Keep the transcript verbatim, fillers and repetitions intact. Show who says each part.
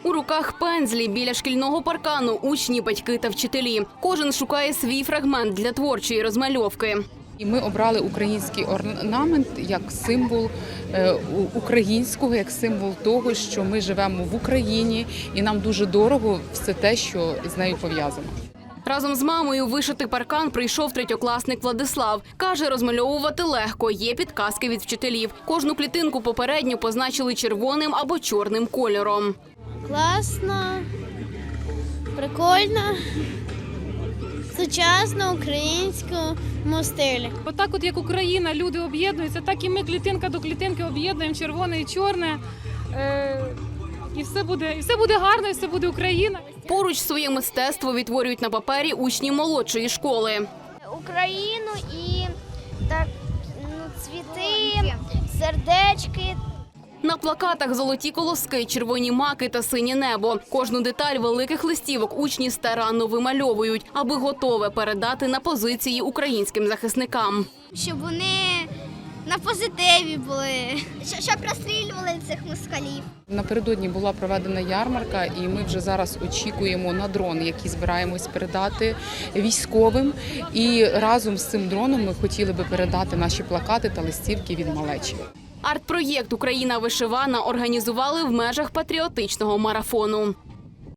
Speaker 1: У руках пензлі біля шкільного паркану учні, батьки та вчителі. Кожен шукає свій фрагмент для творчої розмальовки.
Speaker 2: І ми обрали український орнамент як символ українського, як символ того, що ми живемо в Україні і нам дуже дорого все те, що з нею пов'язано.
Speaker 1: Разом з мамою вишити паркан прийшов третьокласник Владислав. Каже, розмальовувати легко, є підказки від вчителів. Кожну клітинку попередньо позначили червоним або чорним кольором.
Speaker 3: Класно, прикольно, сучасно, українському стилі.
Speaker 4: Отак, от як Україна, люди об'єднуються, так і ми клітинка до клітинки об'єднуємо червоне і чорне. Е і все буде, і все буде гарно, і все буде Україна.
Speaker 1: Поруч своє мистецтво відтворюють на папері учні молодшої школи.
Speaker 3: Україну і так, ну, цвіти, сердечки.
Speaker 1: На плакатах золоті колоски, червоні маки та синє небо. Кожну деталь великих листівок учні старанно вимальовують, аби готове передати на позиції українським захисникам.
Speaker 3: Щоб вони на позитиві були, щоб розстрілювали цих москалів.
Speaker 2: Напередодні була проведена ярмарка, і ми вже зараз очікуємо на дрон, який збираємось передати військовим. І разом з цим дроном ми хотіли би передати наші плакати та листівки від малечі.
Speaker 1: Арт-проєкт «Україна вишивана» організували в межах патріотичного марафону.